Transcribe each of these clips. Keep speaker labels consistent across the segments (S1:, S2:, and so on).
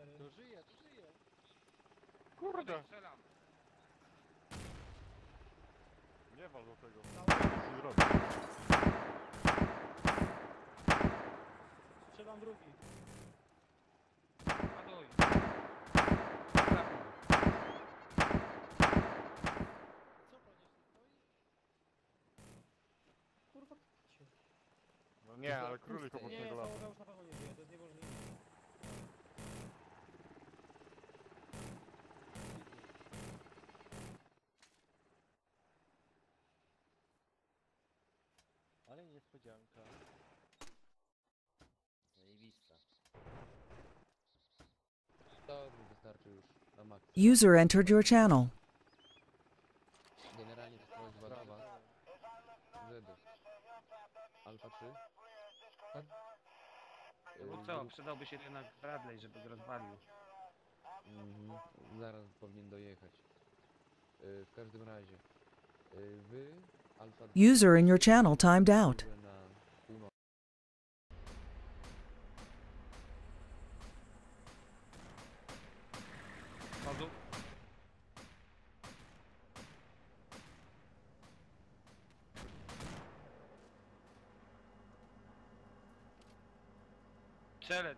S1: To żyje, to żyje.
S2: Kurde!
S3: Strzelam.
S2: Nie ma do tego. Nic nie zrobię.
S4: Strzelam drugi.
S3: Ładuj.
S4: Co pan jeszcze stoi? Kurwa, się.
S2: No nie, ale królik obok
S4: Nie,
S2: niego lata.
S4: załoga już na pewno nie żyje, to jest niemożliwe.
S1: Ale niespodzianka. Zajebista. To mi wystarczy już na maksa.
S5: User entered your channel.
S1: Generalnie to jest sprawa. Zedów. Alfa 3. Tak?
S3: No co, przydałby się jednak Bradley, żeby go rozwalił.
S1: Zaraz powinien dojechać. W każdym razie. Wy, Alfa 2,
S5: User in your channel timed out.
S1: na północ.
S3: Chodu. Strzelec.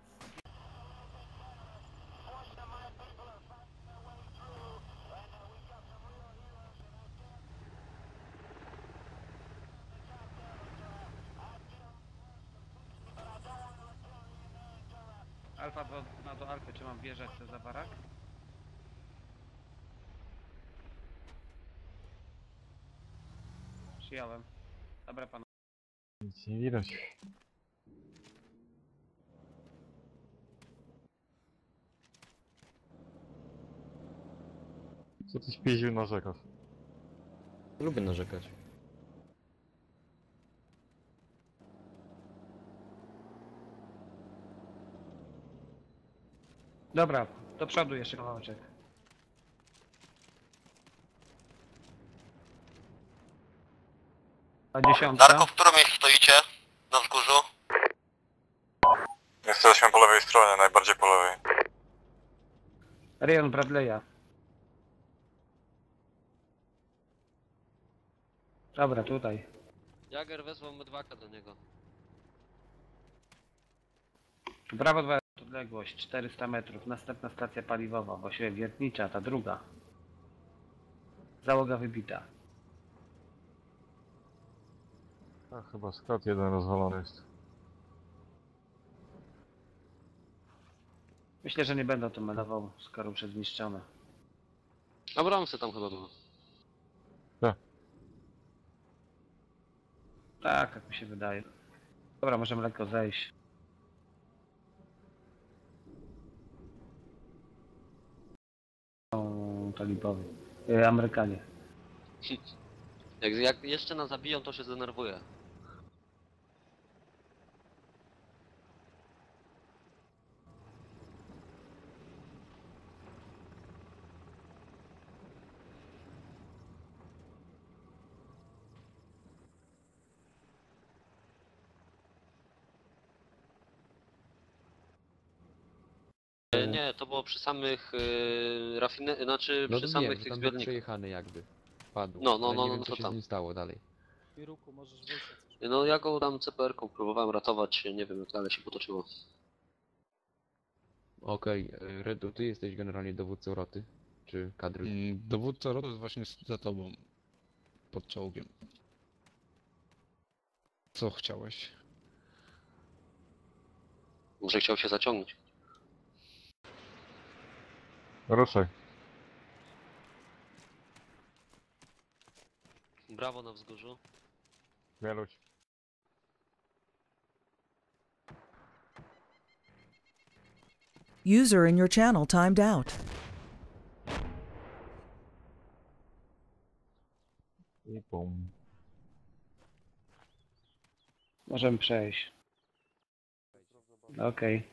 S3: Alfa do Alfy, czy mam wjeżdżać za barak? Przyjąłem. Dobra panu.
S2: Nic nie widać. Co ty śpieził narzekasz?
S1: Lubię narzekać.
S3: Dobra, do przodu jeszcze kawałeczek. A 10.
S6: Darko, w którym miejscu stoicie? Na wzgórzu?
S2: Jesteśmy po lewej stronie, najbardziej po lewej.
S3: Rejon Bradley'a. Dobra, tutaj.
S7: Jager wezwał mydwaka do niego.
S3: Brawo 2, odległość 400 metrów. Następna stacja paliwowa, właściwie wiertnicza, ta druga. Załoga wybita.
S2: A chyba skład jeden rozwalony jest.
S3: Myślę, że nie będą to melował, skoro już jest zniszczone.
S7: Abramsy tam chyba było.
S3: Tak, jak mi się wydaje. Dobra, możemy lekko zejść. Są talibowie. Amerykanie.
S7: Jak jeszcze nas zabiją, to się zdenerwuję. Nie, to było przy samych znaczy
S1: No
S7: przy
S1: to
S7: samych
S1: wiem, że
S7: tych
S1: tam był
S7: zbiornikach.
S1: przejechany jakby. Padł.
S7: No, no,
S1: Ale
S7: no,
S1: nie
S7: no,
S1: wiem,
S7: to
S1: co się
S7: tam.
S1: z nim stało dalej.
S4: Piruku, możesz wyjść jak coś.
S7: No ja go tam CPR-ką próbowałem ratować, nie wiem jak dalej się potoczyło.
S1: Okej, Redu, ty jesteś generalnie dowódcą roty? Czy kadry?
S8: Dowódca rotu jest właśnie za tobą. Pod czołgiem. Co chciałeś?
S7: Może chciał się zaciągnąć.
S2: Ruszaj.
S7: Brawo na wzgórzu.
S2: Wieluć.
S5: User in your channel timed out.
S2: I bum.
S3: Możemy przejść. Okej.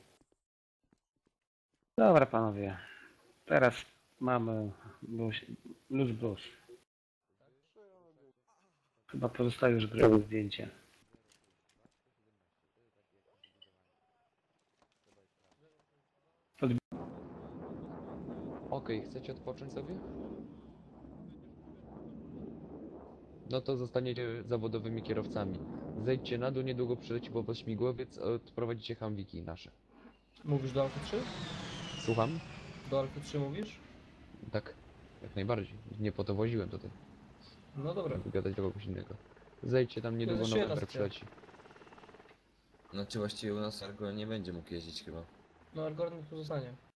S3: Dobra panowie. Teraz mamy luz blues. Chyba pozostaje już growe zdjęcie.
S1: Okej, chcecie odpocząć sobie? No to zostaniecie zawodowymi kierowcami. Zejdźcie na dół, niedługo przyleci po was śmigłowiec, odprowadzicie Humveeki nasze.
S9: Mówisz do Alfy 3?
S1: Słucham?
S9: Do Alfy 3 mówisz?
S1: Tak, jak najbardziej. Nie po to woziłem tutaj.
S9: No dobra.
S1: Żeby gadać do kogoś innego. Zejdźcie tam, niedługo
S9: jeszcze jedna
S1: November
S9: stacja.
S1: przyleci.
S10: Znaczy właściwie u nas Argo nie będzie mógł jeździć chyba.
S9: No Argorn tu zostanie.